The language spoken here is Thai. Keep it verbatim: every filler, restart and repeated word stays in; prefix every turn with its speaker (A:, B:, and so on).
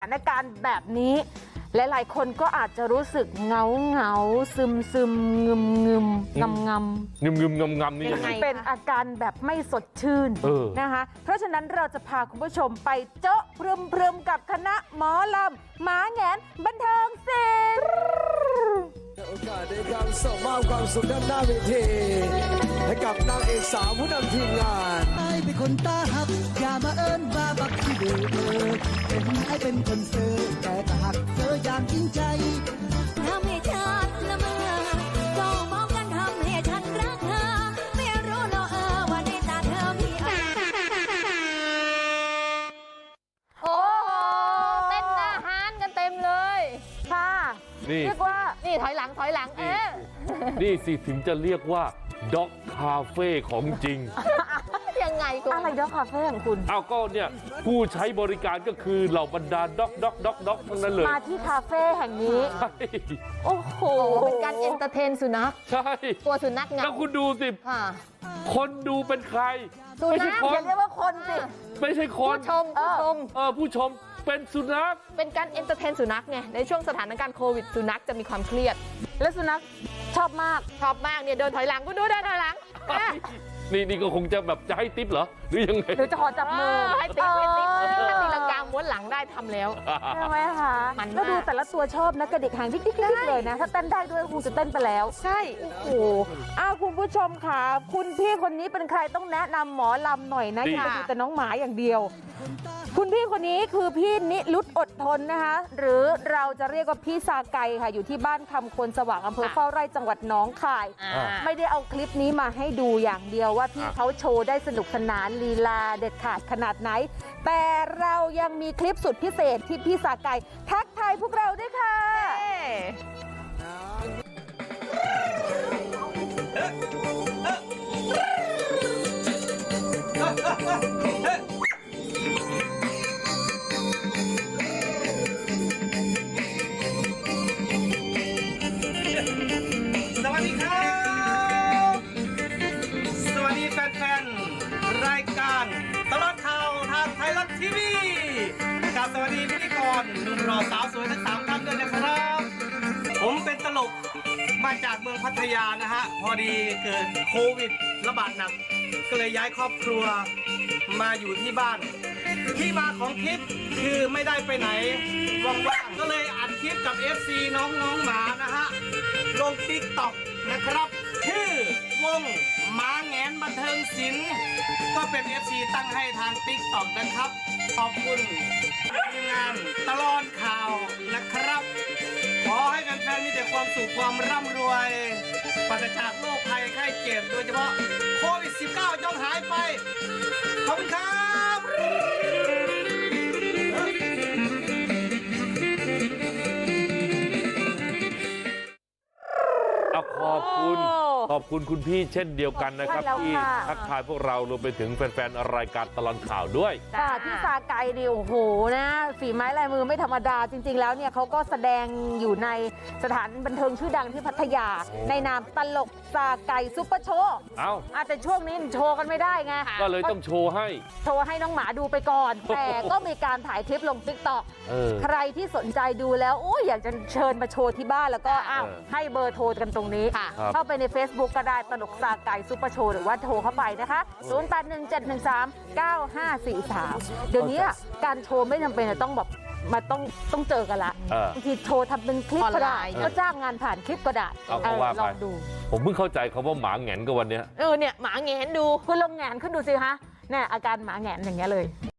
A: านการณ์แบบนี้หลายๆคนก็อาจจะรู้สึกเหงาเหงาซึมซึมงึมงึมงำงำ
B: งึมงึมงำงำนี่ยังไง
A: เป็นอาการแบบไม่สดชื่นนะคะเพราะฉะนั้นเราจะพาคุณผู้ชมไปเจาะพรึมพรึมกับคณะหมอลำหมาแหงนบันเทิงศิลป์
C: โอกาสในการส่งมอบความสุขด้านหน้าเวทีให้กับนางเอกสาวผู้นำทีมงาน
D: ไอ้เป็นคนตาหักอย่ามาเอิ้นว่าบักที่เดือเห็นไอ้เป็นคนเสือแต่ถ้าหักเธออย่างจริงใจ
E: ทำให้ฉันละเมอจ้องมองกันทำให้ฉันรักเธอไม่รู้เนอะเออว่าในตาเธอมี
F: โอ้เต้นอาหารกันเต็มเลย
A: ค่ะเรียกว่า
F: นี่ถอยหลังถอยหลังเอ๊ะ
B: นี่สิถึงจะเรียกว่าด็อกคาเฟ่ของจริง
F: ยังไงคุณ
A: อะไรด็อกคาเฟ่ของคุณ
B: อ้าวก็เนี่ยผู้ใช้บริการก็คือเหล่าบรรดาด็อกด็อกด็อกด็อกทั้งนั้นเลย
A: มาที่คาเฟ่แห่งนี้
B: ใช่
A: โอ้โห
F: เป็นการเอนเตอร์เทนสุนัข
B: ใช่
F: ตัวสุนัขเงา
B: แล้วคุณดูสิคนดูเป็นใคร
A: ไม่ใช่คนอย่าเรียกว่าคนสิ
B: ไม่ใช่คน
F: ผู้ชมผู้ชม
B: เออผู้ชมเป็นสุนัข
F: เป็นการเอนเตอร์เทนสุนัขไงในช่วงสถานการณ์โควิดสุนัขจะมีความเครียด
A: และสุนัขชอบมาก
F: ชอบมากเนี่ยเดินถอยหลังคุณดูเดินถอยหลัง
B: นี่นี่ก็คงจะแบบจะให้ติ๊บเหรอหรือยังไง
A: หรือจะขอจับมือ
F: ให้ติ๊บให้ติ๊บถ้าตีลังกาม้วนหลังได้ทำแล้ว
A: ใช่ไหมคะแล้วดูแต่ละตัวชอบนะกระดิกหางติ๊กๆเลยนะถ้าเต้นได้ด้วยคงจะเต้นไปแล้ว
F: ใช่
A: โอ้โหอ้าวคุณผู้ชมค่ะคุณพี่คนนี้เป็นใครต้องแนะนำหมอลำหน่อยนะอย่าดูแต่น้องหมาอย่างเดียวคุณพี่คนนี้คือพี่นิรุตอดทนนะคะหรือเราจะเรียกว่าพี่ซาไกค่ะอยู่ที่บ้านคำคนสว่างอำเภอเฝ้าไร่จังหวัดหนองคายไม่ได้เอาคลิปนี้มาให้ดูอย่างเดียวว่าพี่เขาโชว์ได้สนุกสนานลีลาเด็ดขาดขนาดไหนแต่เรายังมีคลิปสุดพิเศษที่พี่ซาไกทักทายพวกเราด้วยค่ะ
G: สวัสดีครับสวัสดีแฟนๆรายการตลอดข่าวทางไทยรัฐทีวีกับสวัสดีพิธีกรหนุ่มรอสาวสวยทั้งสามท่านด้วยนะครับผมเป็นตลกมาจากเมืองพัทยานะฮะพอดีเกิดโควิดระบาดหนักก็เลยย้ายครอบครัวมาอยู่ที่บ้านที่มาของคลิปคือไม่ได้ไปไหนว่างๆก็เลยอัดคลิปกับ เอฟ ซี น้องน้องหมานะฮะลงติ๊กต็อกนะครับชื่อวงหมาแหงนบันเทิงศิลป์ก็เป็น เอฟ ซี ตั้งให้ทางติ๊กต็อกนะครับขอบคุณทีมงานตลอดข่าวนะครับขอให้แฟนๆมีแต่ความสุขความร่ำรวยปราศจากโรคภัยไข้เจ็บโดยเฉพาะโควิด สิบเก้า จงหายไปขอบคุณครับ
B: ขอบคุณขอบคุณคุณพี่เช่นเดียวกันนะครับที่ทักทายพวกเรารวมไปถึงแฟนๆรายการตลอดข่าวด้วย
A: ค่ะพี่ซาไกนี่โอ้โหนะฝีไม้ลายมือไม่ธรรมดาจริงๆแล้วเนี่ยเขาก็แสดงอยู่ในสถานบันเทิงชื่อดังที่พัทยาในนามตลกซาไกซุปเปอร์โชว์เอ้าอาจจะช่วงนี้โชว์กันไม่ได้ไง
B: ก็เลยต้องโชว์ให้
A: โชว์ให้น้องหมาดูไปก่อนแต่ก็มีการถ่ายคลิปลงติ๊กต็อกใครที่สนใจดูแล้วโอ้ยอยากจะเชิญมาโชว์ที่บ้านแล้วก็อ้าวให้เบอร์โทรกันตรงนี้เข้าไปใน Facebook ก็ได้ตลกซาไกซุปเปอร์โชว์หรือว่าโทรเข้าไปนะคะศูนย์ แปด หนึ่ง เจ็ด หนึ่ง สาม เก้า ห้า สี่ สามเดี๋ยวนี้การโชว์ไม่จำเป็นต้องแบบมาต้องต้องเจอกันละบางทีโชว์ทำเป็นคลิปก็ได้ก็จ้างงานผ่านคลิปก็ได้ลองดู
B: ผมเพิ่งเข้าใจคำว่าหมาแหงนก็วันนี้
F: เออเนี่ยหมาแหงนดู
A: คุณลองแหงนขึ้นดูสิคะเนี่ยอาการหมาแหงนอย่างเงี้ยเลย